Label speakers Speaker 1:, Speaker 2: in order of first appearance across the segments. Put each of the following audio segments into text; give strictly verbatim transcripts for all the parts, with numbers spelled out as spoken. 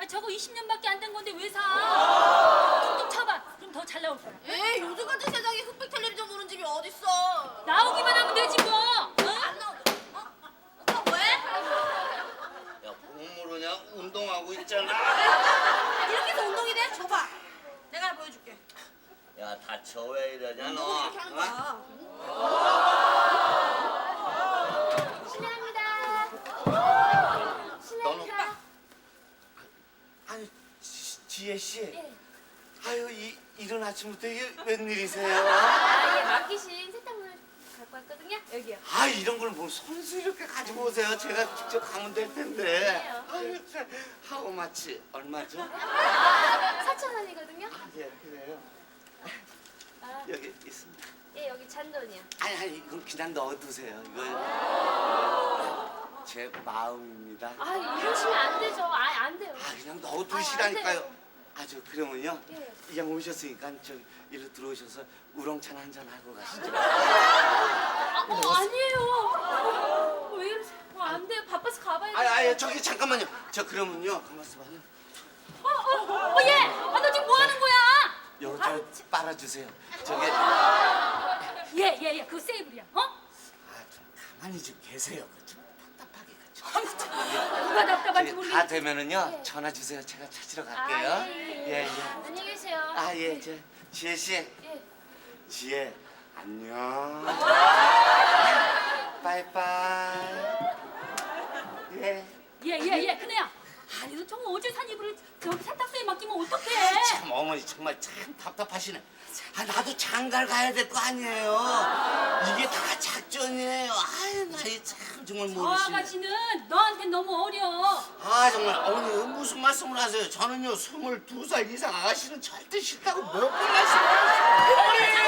Speaker 1: 저거 이십 년밖에 안 된 건데 왜 사? 툭툭 쳐봐. 그럼 더 잘 나올 거야.
Speaker 2: 에이 요즘 같은 세상에 흑백 텔레비전 보는 집이 어딨어?
Speaker 1: 나오기만 하면 되지 뭐. 어?
Speaker 2: 안 나오죠? 어? 오빠 왜?
Speaker 3: 야, 뭐 모르냐? 운동하고 있잖아.
Speaker 2: 이렇게 해서 운동이 돼? 줘봐. 내가 보여줄게.
Speaker 3: 야, 다쳐 왜 이러냐 너?
Speaker 2: 운동을 이렇게 하는
Speaker 3: 어?
Speaker 2: 거야.
Speaker 1: 실례합니다.
Speaker 3: 너는
Speaker 1: 실례합니다.
Speaker 3: 아니, 지, 지혜 씨.
Speaker 1: 예.
Speaker 3: 아유, 이 이른 아침부터 이게 웬일이세요?
Speaker 1: 아, 예, 맡기신 세탁물 갖고 왔거든요. 여기요.
Speaker 3: 아, 이런 걸 뭐 손수 이렇게 가지고 오세요. 제가 직접 가면 될 텐데.
Speaker 1: 그래요.
Speaker 3: 아유, 참. 하우 마치 얼마죠?
Speaker 1: 아, 사천 원이거든요.
Speaker 3: 예, 그래요.
Speaker 1: 아,
Speaker 3: 여기 있습니다.
Speaker 1: 예, 여기 잔돈이요.
Speaker 3: 아니, 아니, 이건 그냥 넣어두세요. 이거 이거 제 마음입니다.
Speaker 1: 아, 이러시면 안 되죠. 아, 안 돼요.
Speaker 3: 아, 그냥
Speaker 1: 아,
Speaker 3: 넣어두시라니까요.
Speaker 1: 안 돼요.
Speaker 3: 아, 저 그러면요.
Speaker 1: 예.
Speaker 3: 이왕 오셨으니까 저 이리 들어오셔서 우렁찬 한잔 하고 가시죠.
Speaker 1: 아, 어, 아니에요. 어, 왜 이러세요? 어, 안 돼요. 바빠서 가봐야 돼요.
Speaker 3: 아니, 아니, 저기 잠깐만요. 저 그러면요. 가만있어 봐요.
Speaker 1: 어, 어, 어, 예. 아, 너 지금 뭐 하는 거야?
Speaker 3: 요거
Speaker 1: 아,
Speaker 3: 좀 빨아주세요. 저기,
Speaker 1: 예, 예, 예. 그거 세이블이야. 어?
Speaker 3: 아, 좀 가만히 좀 계세요. 그 좀 답답하게 가지고.
Speaker 1: 아유, 참. 누가 답답한지
Speaker 3: 저기
Speaker 1: 모르겠네.
Speaker 3: 다 되면은요.
Speaker 1: 예.
Speaker 3: 전화 주세요. 제가 찾으러
Speaker 1: 아,
Speaker 3: 갈게요.
Speaker 1: 예, 예,
Speaker 3: 예,
Speaker 1: 예.
Speaker 3: 예.
Speaker 1: 안녕히 계세요.
Speaker 3: 아, 예, 저 지혜 씨.
Speaker 1: 예.
Speaker 3: 지혜, 안녕. 빠이빠이. 예.
Speaker 1: 예, 예, 예. 큰애야. 아니, 너 정말 어제 산 이불을 저기 세탁소에 맡기면 어떡해?
Speaker 3: 참 어머니 정말 참 답답하시네. 아, 나도 장가를 가야 될 거 아니에요. 이게 다 작전이에요. 아유, 나이 참 정말
Speaker 1: 저
Speaker 3: 모르시네.
Speaker 1: 아가씨는 너한테 너무 어려.
Speaker 3: 아, 정말 어머니 무슨 말씀을 하세요. 저는요 스물두 살 이상 아가씨는 절대 싫다고 몇 번 말씀하셨어요.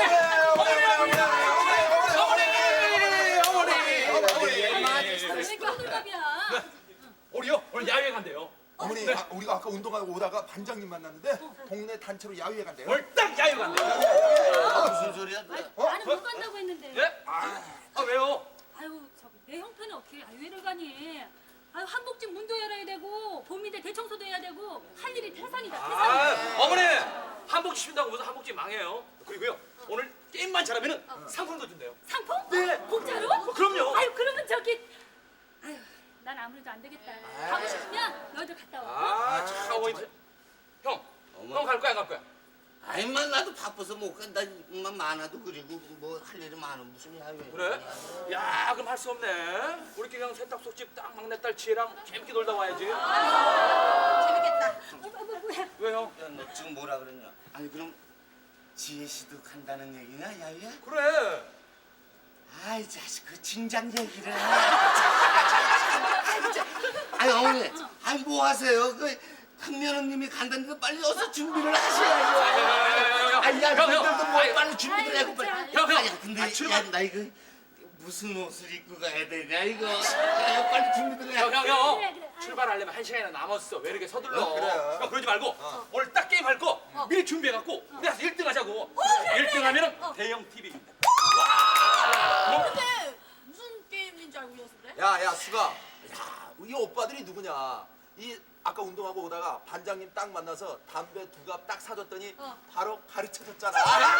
Speaker 1: 왜 이렇게 호들갑이야?
Speaker 4: 우리요? 오늘 야외 간대요.
Speaker 5: 어머니, 아, 우리가 아까 운동하고 오다가 반장님 만났는데 동네 단체로 야유회 간대요.
Speaker 4: 오늘 딱 야외 간대요.
Speaker 3: 아, 무슨 소리야? 너?
Speaker 1: 나는 못 간다고 했는데.
Speaker 4: 예? 아, 아 왜요?
Speaker 1: 아유, 저기 내 형편은 어떻게 야유회를 가니? 아유, 한복집 문도 열어야 되고 봄인데 대청소도 해야 되고 할 일이 태산이다. 태산.
Speaker 4: 아, 어머니 한복집 쉰다고 무슨 한복집 망해요. 그리고요 오늘 게임만 잘하면은 상품도 준대요.
Speaker 1: 상품?
Speaker 4: 네.
Speaker 1: 공짜로?
Speaker 4: 어, 그럼요.
Speaker 1: 아유, 그러면 저기 아유, 난 아무래도 안 되겠다. 가고 싶으면 너희들 갔다 와.
Speaker 4: 아, 참 어머니. 형,
Speaker 3: 어머.
Speaker 4: 형 갈 거야, 안 갈 거야?
Speaker 3: 아이만 나도 바빠서 못 간다. 만 많아도 그리고 뭐 할 일이 많은 무슨 야유회.
Speaker 4: 그래? 야, 그럼 할 수 없네. 우리끼리 그냥 세탁소집 딱 막내딸 지혜랑 재밌게 놀다 와야지.
Speaker 2: 재밌겠다.
Speaker 1: 어, 어, 뭐, 뭐야?
Speaker 4: 왜 형?
Speaker 3: 야, 너 지금 뭐라 그랬냐? 아니 그럼 지혜 씨도 간다는 얘기냐 야유회?
Speaker 4: 그래.
Speaker 3: 아이 자식 그 진작 얘기를 해. 아니 어머니, 아니 뭐 하세요? 그 큰며느님이 간다는데 빨리 어서 준비를 하셔야죠. 아니 야,
Speaker 4: 형, 형.
Speaker 3: 너희들도 뭐
Speaker 4: 아이,
Speaker 3: 빨리 준비를 해고 빨리.
Speaker 1: 아이,
Speaker 4: 형, 형.
Speaker 3: 아니 근데
Speaker 4: 아, 출발.
Speaker 3: 야, 나 이거 무슨 옷을 입고 가야 되냐 이거. 야, 빨리 준비를 해.
Speaker 4: 형, 형, 형.
Speaker 1: 그래, 그래. 아유.
Speaker 4: 출발하려면 한 시간이나 남았어. 왜 이렇게 서둘러?
Speaker 5: 어, 그래.
Speaker 4: 형, 그러지 말고 오늘 딱 게임 할 거 미리 준비해갖고 우리 가서 일 등 하자고. 일 등 하면은 대형 티비 준다.
Speaker 2: 근데 무슨 게임인 줄 알고 오셨어 그래?
Speaker 5: 야, 야, 수가. 야, 이 오빠들이 누구냐? 이 아까 운동하고 오다가 반장님 딱 만나서 담배 두 갑 딱 사줬더니
Speaker 2: 어.
Speaker 5: 바로 가르쳐줬잖아.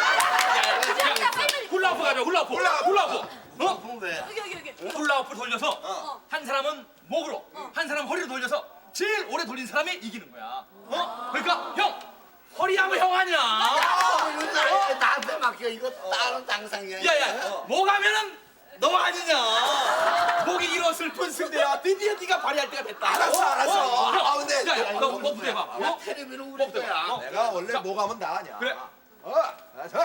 Speaker 4: 훌라후프 가자, 훌라후프. 훌라후프. 어?
Speaker 3: 어? 왜?
Speaker 2: 여기 여기 여기.
Speaker 4: 훌라후프 돌려서
Speaker 2: 어.
Speaker 4: 한 사람은 목으로, 한 사람 허리로 돌려서 제일 오래 돌린 사람이 이기는 거야. 어? 그러니까 형 허리하면 형 아니야.
Speaker 3: 아, 이거 나, 나한테 맡겨. 이거 다른 당상이야.
Speaker 4: 야야, 목 하면은 너 아니냐. 목이 이런 슬픈 승대야. 드디어 네가 발휘할 때가 됐다.
Speaker 5: 알았어, 알았어.
Speaker 4: 어, 형.
Speaker 5: 아, 근데
Speaker 4: 야, 야,
Speaker 5: 야,
Speaker 4: 너 목부터 해봐.
Speaker 3: 야,
Speaker 4: 어?
Speaker 3: 테레비는 우리
Speaker 4: 목부터
Speaker 3: 거야.
Speaker 4: 해봐. 어.
Speaker 5: 내가 원래
Speaker 4: 자.
Speaker 5: 뭐 가면 나 아니야.
Speaker 4: 그래.
Speaker 5: 어, 아, 자.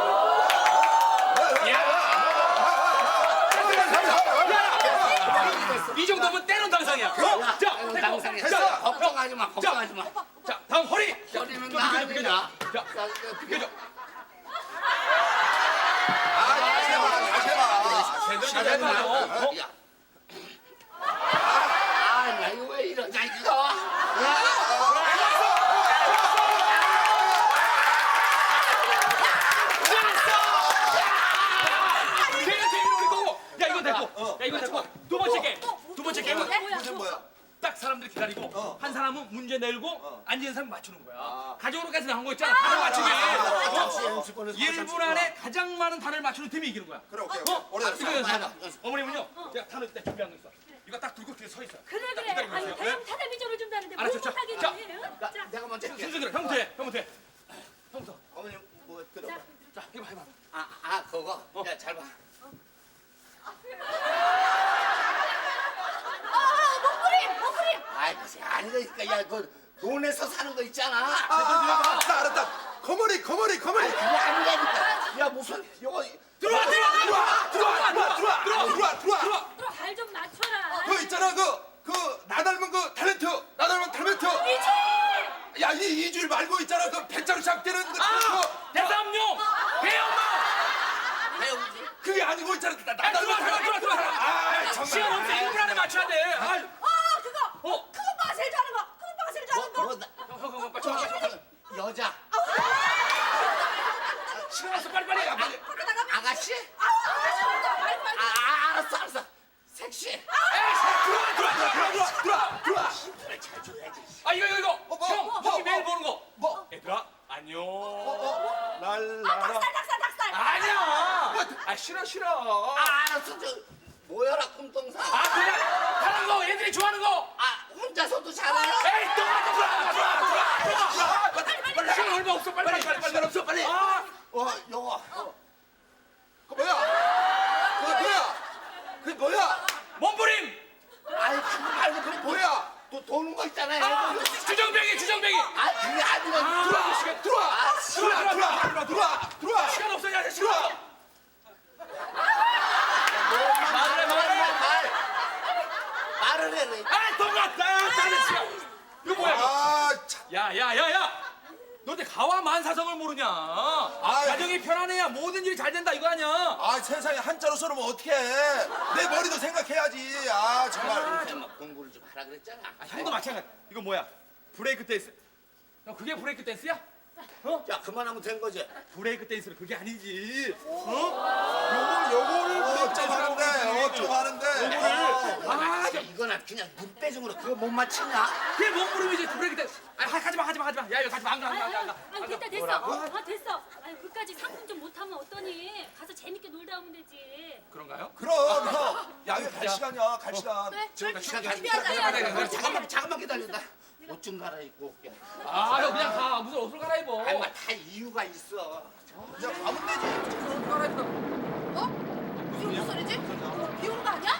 Speaker 4: 이 정도면 때론 당상이야. 어? 자,
Speaker 3: 이거
Speaker 4: 됐고.
Speaker 3: 당상이야.
Speaker 4: 자,
Speaker 3: 걱정하지 마. 걱정하지 마.
Speaker 4: 자, 다음 허리.
Speaker 3: 허리는
Speaker 4: 좀
Speaker 3: 나
Speaker 4: 비켜줘,
Speaker 3: 아니냐?
Speaker 4: 비켜줘. 자,
Speaker 3: 자,
Speaker 4: 비켜줘.
Speaker 5: 아, 다시 해봐, 다시 해봐.
Speaker 4: 제대로 좀 해봐. 어?
Speaker 3: 야. 아, 나 이거 왜 이러냐 이거.
Speaker 4: 제일 재미는 우리 거고. 야, 이거 됐고. 야, 이거 됐고. 두 번째 게임. 두 번째 게임은
Speaker 1: 뭐야?
Speaker 5: 무슨 뭐야?
Speaker 4: 딱 사람들이 기다리는 아니고
Speaker 5: 어.
Speaker 4: 한 사람은 문제 내고
Speaker 5: 어.
Speaker 4: 앉은 사람 맞추는 거야.
Speaker 5: 아.
Speaker 4: 가정으로까지 나온 거 있잖아. 단어 맞추기.
Speaker 3: 아, 잠시
Speaker 4: 어?
Speaker 3: 연습원에서
Speaker 4: 일 분 안에 가장 많은 단어를 맞추는 팀이 이기는 거야.
Speaker 5: 그래 오케이
Speaker 4: 어?
Speaker 5: 오래
Speaker 3: 알았어.
Speaker 4: 이거 연습하자.
Speaker 3: 알았어. 연습.
Speaker 4: 어머님은요? 제가 단어 때 준비한 거 있어. 이거 딱 들고 뒤에 서 있어.
Speaker 1: 그래 그래.
Speaker 4: 기다리고
Speaker 1: 아유
Speaker 4: 있어요.
Speaker 1: 대형 텔레비전을 준다는데 뭘
Speaker 4: 알았죠, 자,
Speaker 1: 못하겠니?
Speaker 4: 자.
Speaker 1: 응?
Speaker 3: 나,
Speaker 1: 자,
Speaker 3: 내가 먼저 할게.
Speaker 4: 순서대로 형부터 해. 형부터 해. 형부터.
Speaker 3: 어머니 뭐 들어.
Speaker 1: 자,
Speaker 4: 자, 해봐, 해봐.
Speaker 3: 아, 아 그거.
Speaker 4: 어.
Speaker 3: 야 잘 봐.
Speaker 2: 아, 목부림, 목부림.
Speaker 3: 아이 아니니까 야그 논에서 사는 거 있잖아.
Speaker 5: 아, 아, 아, 나 알았다 거머리 거머리 거머리
Speaker 3: 아니 그게 아니라니까. 야 무슨 이거
Speaker 4: 들어와, 들어와, 들어와, 들어와,
Speaker 5: 들어와 들어와 들어와 들어와 들어와
Speaker 1: 발 좀 맞춰라.
Speaker 5: 그 있잖아 그 그 나 닮은 그 탤런트 나 닮은 탤런트 야이 이주일 말고 있잖아 그 백자로 시작되는 그
Speaker 4: 아! 대삼룡! 배엄마!
Speaker 3: 배우지.
Speaker 5: 그게 아니고 있잖아 나, 나
Speaker 4: 아, 들어와,
Speaker 5: 닮은
Speaker 4: 들어와, 들어와, 들어와.
Speaker 5: 아
Speaker 4: 시간
Speaker 5: 정말
Speaker 4: 없어. 일 분 안에 맞춰야 돼. 아,
Speaker 2: 아, 그거.
Speaker 4: 어?
Speaker 2: 큰 오빠가 제일 잘하는 거. 큰 오빠가 제일 잘하는 거.
Speaker 3: 뭐, 나,
Speaker 4: 형, 형, 형, 빨리, 빨리, 빨리.
Speaker 3: 여자.
Speaker 4: 시간 없어. 빨리, 빨리. 가, 빨리.
Speaker 2: 밖에 나가면.
Speaker 3: 아가씨?
Speaker 2: 아, 잘한다. 말고 말고.
Speaker 3: 아, 아 알았어 알았어. 섹시.
Speaker 4: 에이, 들어와, 들어와, 들어와, 들어와, 들어와, 들어와.
Speaker 3: 힘을 잘 줘야지.
Speaker 4: 아, 이거, 이거, 이거.
Speaker 5: 뭐, 뭐,
Speaker 4: 형,
Speaker 5: 뭐,
Speaker 4: 형이
Speaker 5: 뭐,
Speaker 4: 매일 보는 거.
Speaker 5: 뭐?
Speaker 4: 얘들아, 안녕.
Speaker 5: 어, 랄라라
Speaker 2: 닭살, 닭살, 닭살.
Speaker 4: 아니야. 아, 싫어, 싫어.
Speaker 3: 아 알았어 저 뭐여라 꿈동산.
Speaker 4: 아, 그냥 다른 거, 애들이 좋아하는 거.
Speaker 3: 아 혼자서도 잘해요?
Speaker 4: 에이, 또 와, 또 들어와, 들어와, 들어와, 들어와. 빨리, 빨리, 시간 얼마 없어. 빨리, 빨리, 빨리, 빨리.
Speaker 5: 시간 없어 빨리
Speaker 4: 아,
Speaker 3: 어 요거.
Speaker 5: 그 뭐야 그게 뭐야 그게 뭐야
Speaker 4: 몸부림.
Speaker 3: 아이 그거 말고 그
Speaker 5: 뭐야
Speaker 3: 또 도는 거 있잖아요.
Speaker 4: 아, 주정뱅이, 주정뱅이.
Speaker 3: 아 그게 아니라.
Speaker 4: 아,
Speaker 5: 들어와 시간 들어와
Speaker 3: 아,
Speaker 5: 들어와 들어와 들어와 들어와 들어와
Speaker 4: 시간 없어, 야, 시간
Speaker 5: 들어와
Speaker 4: 없어. 말을 해, 말을 해.
Speaker 3: 말. 말을 해. 왜.
Speaker 4: 아, 동갔다. 다른 시간. 이거 뭐야, 이거?
Speaker 5: 아참
Speaker 4: 야, 야, 야, 야! 너 어때 가와 만사성을 모르냐?
Speaker 5: 아이.
Speaker 4: 가정이 편안해야 모든 일이 잘 된다 이거 아니야?
Speaker 5: 아 세상에 한자로 써놓으면 어떡해 내 머리도 생각해야지 아 정말
Speaker 3: 좀 공부를 좀 하라 그랬잖아.
Speaker 4: 아, 형도 마찬가지. 이거 뭐야? 브레이크 댄스. 야, 그게 브레이크 댄스야? 어?
Speaker 3: 야 그만하면 된 거지.
Speaker 4: 브레이크 댄스는 그게 아니지.
Speaker 5: 요걸 요거를 어쩜 하는데 어쩜 하는데
Speaker 3: 아, 야, 이거나 그냥 눈대중으로 그거 못 맞히냐?
Speaker 4: 그게 몸부림이지 브레이크 댄스. 아, 하지 마, 하지 마, 하지 마. 야, 이거 하지 마, 안 가, 안 가, 안 가, 안 가.
Speaker 1: 아유 됐다 됐어. 아 됐어. 아유 그까지 상품 좀 못하면 어떠니? 가서 재밌게 놀다 오면 되지.
Speaker 4: 그런가요?
Speaker 5: 그럼 형 야외 갈 시간이야 갈 시간
Speaker 2: 그래.
Speaker 3: 저 시간 다
Speaker 2: 준비하자.
Speaker 4: 가자, 가자, 가자.
Speaker 3: 잠깐만 잠깐만 기다린다. 옷 좀 갈아입고 올게.
Speaker 4: 아, 형 그냥 가. 무슨 옷을 갈아입어.
Speaker 3: 아니 뭐다 이유가 있어.
Speaker 5: 그냥 가면 되지
Speaker 4: 옷을 갈아입다.
Speaker 2: 어? 무슨 무슨 소리지? 어, 비 오는 거 아니야?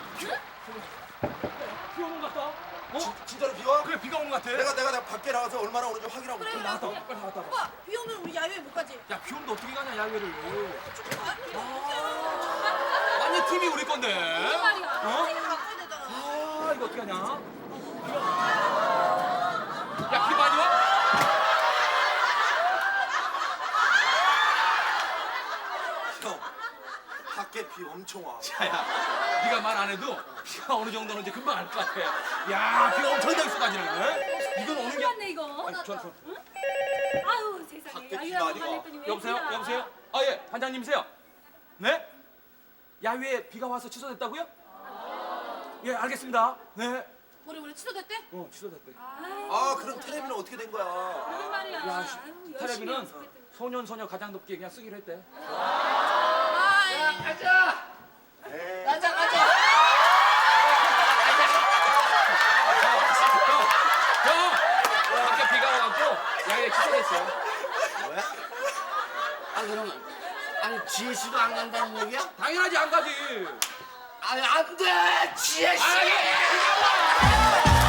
Speaker 4: 비 오는 것 같다. 어?
Speaker 5: 진짜로 비 와?
Speaker 4: 그래, 비가 오는 것 같아.
Speaker 5: 내가 내가 내가 밖에 나가서 얼마나 오는지 확인하고
Speaker 2: 그래,
Speaker 5: 올게.
Speaker 2: 그래.
Speaker 4: 나갔다 와, 빨리 나갔다 와.
Speaker 2: 오빠, 비 오면 우리 야외 못 가지?
Speaker 4: 야, 비 오는데 어떻게 가냐, 야외를.
Speaker 2: 축구 가?
Speaker 4: 완전 팀이 우리 건데.
Speaker 1: 그 말이야.
Speaker 4: 어?
Speaker 2: 내가 가야 되잖아.
Speaker 4: 아, 이거 어떻게 하냐? 야, 비 많이 와?
Speaker 5: 형 밖에 비 엄청 와
Speaker 4: 야, 야, 네가 말 안 해도 비가 어느 정도는 이제 금방 알 것 같아. 야, 비가 엄청나게 쏟아지네. 이건 오는 게.
Speaker 1: 맞네 이거.
Speaker 4: 아니, 저, 저.
Speaker 1: 아유 세상에.
Speaker 5: 밖에 비가
Speaker 1: 야유라고
Speaker 5: 많이 와.
Speaker 1: 말했더니 왜
Speaker 4: 여보세요?
Speaker 1: 비가.
Speaker 4: 여보세요? 아, 예, 반장님이세요? 네? 야외에 비가 와서 취소됐다고요? 예, 알겠습니다. 네.
Speaker 2: 우리 우리 취소됐대?
Speaker 4: 어, 취소됐대.
Speaker 1: 아유,
Speaker 5: 아 그럼 텔레비는 어떻게 된 거야
Speaker 1: 그런 말이야.
Speaker 4: 야, 씨,
Speaker 1: 아유, 열심히
Speaker 4: 텔레비는
Speaker 1: 연습했더니.
Speaker 4: 소년 소녀 가장 높게 그냥 쓰기로 했대.
Speaker 2: 아, 예.
Speaker 3: 가자. 가자 가자.
Speaker 4: 형, 밖에 비가 와갖고 야외에 취소됐어요.
Speaker 3: 뭐야? 아 그러면 아니 지혜 씨도 안 간다는 얘기야?
Speaker 4: 당연하지 안 가지.
Speaker 3: 아니 안 돼. 지혜 씨.
Speaker 4: 아, 예.